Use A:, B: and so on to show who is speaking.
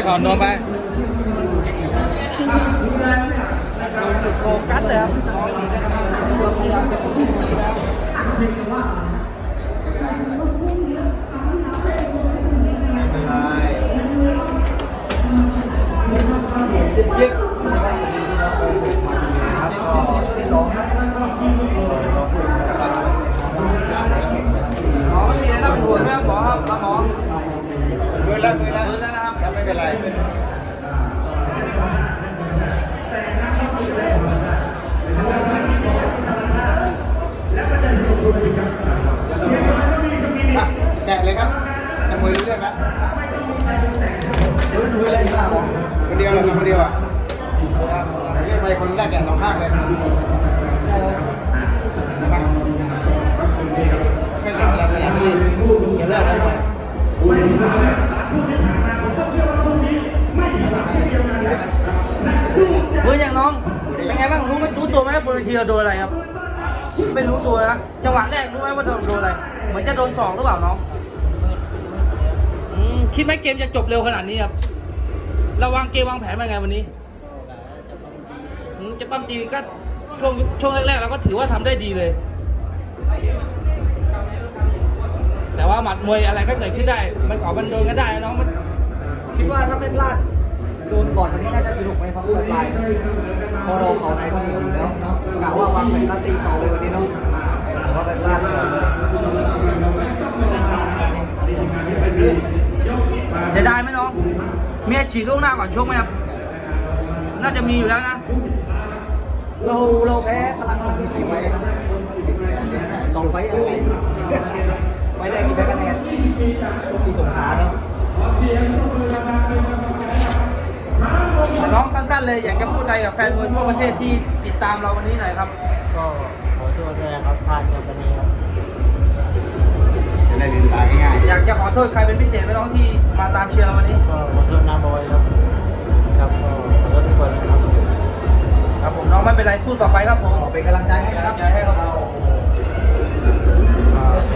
A: อ่อนนวลไป
B: โฟกัสเลยครับน้อยดีนะครับตัวพยายามจะติดที่แล้วจิ๊บจิ๊บสวัสดีครับจิ๊บจิ๊บช่วงที่สองครับหมอไม่มีอะไรน่าเป็นห่วงนะครับหมอครับหมอฟื้นแล้วนะครับไม่เป็นไร
C: แจกเลยครับจะมวยรู้เรื่องแล้ว
B: ฟื้นเลยครับหมอ
C: คนเดียวเลยคนเดียวอ่ะเรียกไปคนแรกแกะสองข้างเลยมาไม่ถึงเวลาอย่างนี้อย่าเลิกนะเลย
B: ฟื้นอย่างน้องเป็นไงบ้างรู้ตัวไหมบนเวทีเราโดนอะไรครับไม่รู้ตัวนะจังหวะแรกรู้ไหมว่าโดนอะไรเหมือนจะโดนศอกหรือเปล่าน้องคิดไหมเกมจะจบเร็วขนาดนี้ครับเราวางเกมวางแผนมาไงวันนี้จะปั้มตีก็ช่วงแรกๆเราก็ถือว่าทำได้ดีเลยแต่ว่าหมัดมวยอะไรก็เกิดขึ้นได้มันขอมันโดนก็ได้น้องมันคิดว่าถ้าไม่พลาดโดนก่อนวันนี้น่าจะสนุกไหมครับปลายพอเราเข่าในก็มีอยู่แล้วเนาะกะว่าวางแผนมาตีเข่าเลยวันนี้เนาะแต่ว่าไปพลาดก่อนเสียดายไหมน้องมีอาชีพล่วงหน้าก่อนชกไหมครับน่าจะมีอยู่แล้วนะเราแพ้พลังมันมีกี่ไฟ2 ไฟอะไรไฟแรกกี่แพ้คะแนนที่สงขลาเนาะแต่น้องสั้นๆเลยอยากจะพูดอะไรกับแฟนมวยทั่วประเทศที่ติดตามเราวันนี้หน่อยครับ
D: ก็ขอโทษด้วยนะครับพลาดในวันนี้ครับ
C: จะได้ลืมตาง่าย
B: อยากจะขอโทษใครเป็นพิเศษไหมน้องที่มาตามเชียร์เราวันนี้
D: ก็ขอโทษน้าบอยครับครับก็ขอโทษทุกคนนะครับ
B: ครับผมน้องไม่เป็นไรสู้ต่อไปครับผมเป็นกำลังใจให้นะครับ